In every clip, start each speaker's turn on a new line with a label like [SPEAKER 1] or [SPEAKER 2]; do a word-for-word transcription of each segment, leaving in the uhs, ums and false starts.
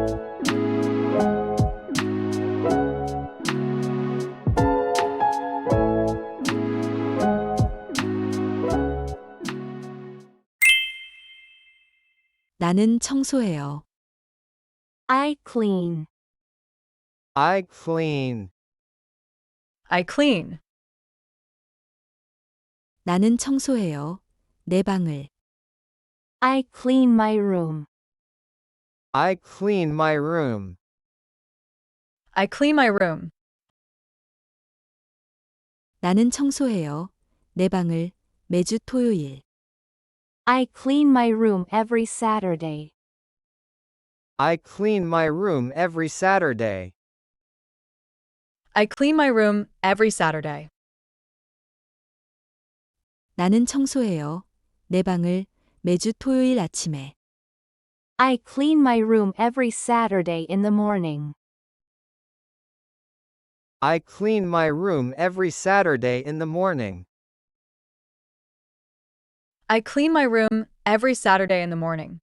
[SPEAKER 1] 나는 청소해요.
[SPEAKER 2] I clean.
[SPEAKER 3] I clean.
[SPEAKER 4] I clean.
[SPEAKER 1] 나는 청소해요. 내 방을.
[SPEAKER 2] I clean my room.
[SPEAKER 3] I clean my room.
[SPEAKER 4] I clean my room.
[SPEAKER 1] 나는 청소해요. 내 방을 매주 토요일.
[SPEAKER 2] I clean my room every Saturday.
[SPEAKER 3] I clean my room every Saturday.
[SPEAKER 4] I clean my room every Saturday.
[SPEAKER 1] 나는 청소해요. 내 방을 매주 토요일 아침에.
[SPEAKER 2] I clean my room every Saturday in the morning.
[SPEAKER 3] I clean my room every Saturday in the morning.
[SPEAKER 4] I clean my room every Saturday in the morning.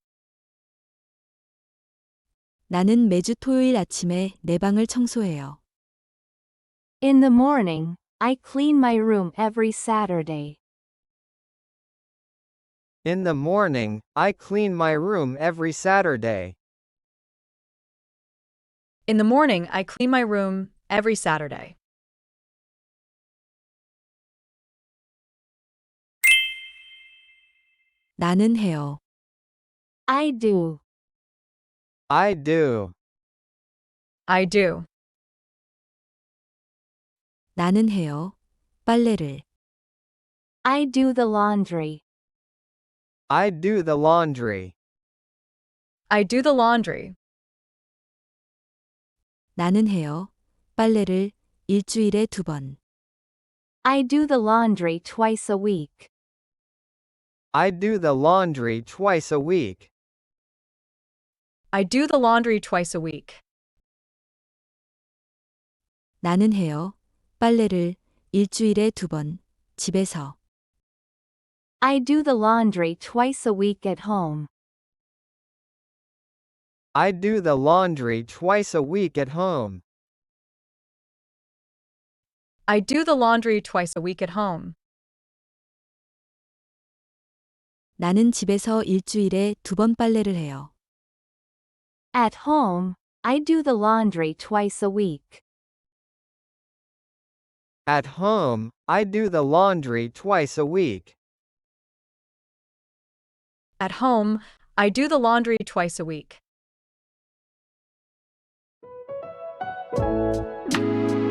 [SPEAKER 1] 나는 매주 토요일 아침에 내 방을 청소해요.
[SPEAKER 2] In the morning, I clean my room every Saturday.
[SPEAKER 3] In the morning, I clean my room every Saturday.
[SPEAKER 4] In the morning, I clean my room every Saturday.
[SPEAKER 1] 나는 해요.
[SPEAKER 2] I do.
[SPEAKER 3] I do.
[SPEAKER 4] I do.
[SPEAKER 1] 나는 해요. 빨래를.
[SPEAKER 2] I do the laundry.
[SPEAKER 3] I do the laundry.
[SPEAKER 4] I do the laundry.
[SPEAKER 1] 나는 해요. 빨래를 일주일에 두 번.
[SPEAKER 2] I do the laundry twice a week.
[SPEAKER 3] I do the laundry twice a week.
[SPEAKER 4] I do the laundry twice a week.
[SPEAKER 1] 나는 해요. 빨래를 일주일에 두 번. 집에서.
[SPEAKER 2] I do the laundry twice a week at home.
[SPEAKER 3] I do the laundry twice a week at home.
[SPEAKER 4] I do the laundry twice a week at home.
[SPEAKER 1] 나는 집에서 일주일에 두 번 빨래를 해요.
[SPEAKER 2] At home, I do the laundry twice a week.
[SPEAKER 3] At home, I do the laundry twice a week.
[SPEAKER 4] At home, I do the laundry twice a week.